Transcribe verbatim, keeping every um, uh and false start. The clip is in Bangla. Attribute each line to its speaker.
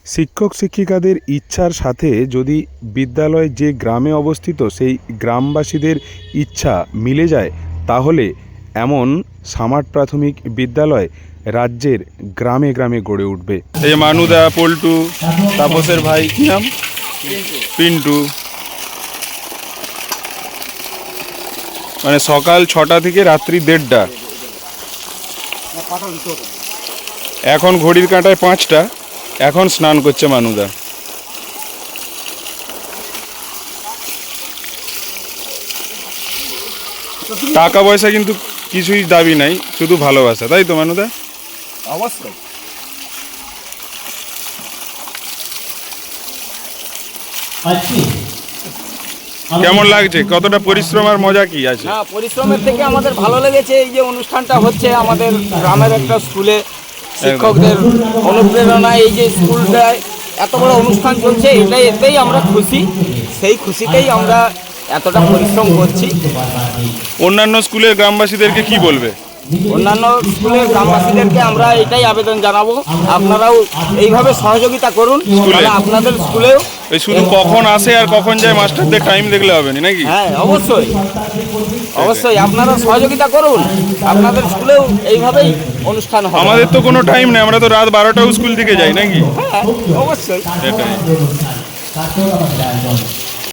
Speaker 1: শিক্ষক শিক্ষিকাদের ইচ্ছার সাথে যদি বিদ্যালয় যে গ্রামে অবস্থিত সেই গ্রামবাসীদের ইচ্ছা মিলে যায়, তাহলে এমন সামার প্রাথমিক বিদ্যালয় রাজ্যের গ্রামে গ্রামে গড়ে উঠবে। এই মানুদা, পল্টু, তাপসের ভাই কি নাম? পিন্টু। মানে সকাল ছটা থেকে রাত্রি দেড়টা। এখন ঘড়ির কাঁটায় পাঁচটা। এখন স্নান করছে মানুদা। টাকা পয়সা কিন্তু কিছুই দাবি নাই, শুধু ভালোবাসা, তাই তো মানুদা?
Speaker 2: অবশ্যই।
Speaker 1: কেমন লাগছে? কতটা পরিশ্রম আর মজা কি আছে?
Speaker 2: না, পরিশ্রমের থেকে আমাদের ভালো লেগেছে এই যে অনুষ্ঠানটা হচ্ছে আমাদের গ্রামের একটা স্কুলে, শিক্ষকদের অনুপ্রেরণায় এই যে স্কুলটায় এত বড় অনুষ্ঠান চলছে, এটাই এতেই আমরা খুশি। সেই খুশিতেই আমরা এতটা পরিশ্রম করছি।
Speaker 1: অন্যান্য স্কুলের গ্রামবাসীদেরকে কি বলবে?
Speaker 2: অন্যান্য স্কুলের গ্রামবাসীদেরকে আমরা এটাই আবেদন জানাবো, আপনারাও এইভাবে সহযোগিতা করুন। তাহলে আপনাদের স্কুলেও
Speaker 1: এই শুধু কখন আসে আর কখন যায় মাস্টারদের টাইম দেখলে হবে না, নাকি?
Speaker 2: হ্যাঁ, অবশ্যই অবশ্যই আপনারা সহযোগিতা করুন, আপনাদের স্কুলেও এইভাবেই অনুষ্ঠান হবে।
Speaker 1: আমাদের তো কোনো টাইম নেই, আমরা তো রাত বারোটাও স্কুল থেকে যাই, নাকি?
Speaker 2: হ্যাঁ, অবশ্যই।
Speaker 1: সেটাই।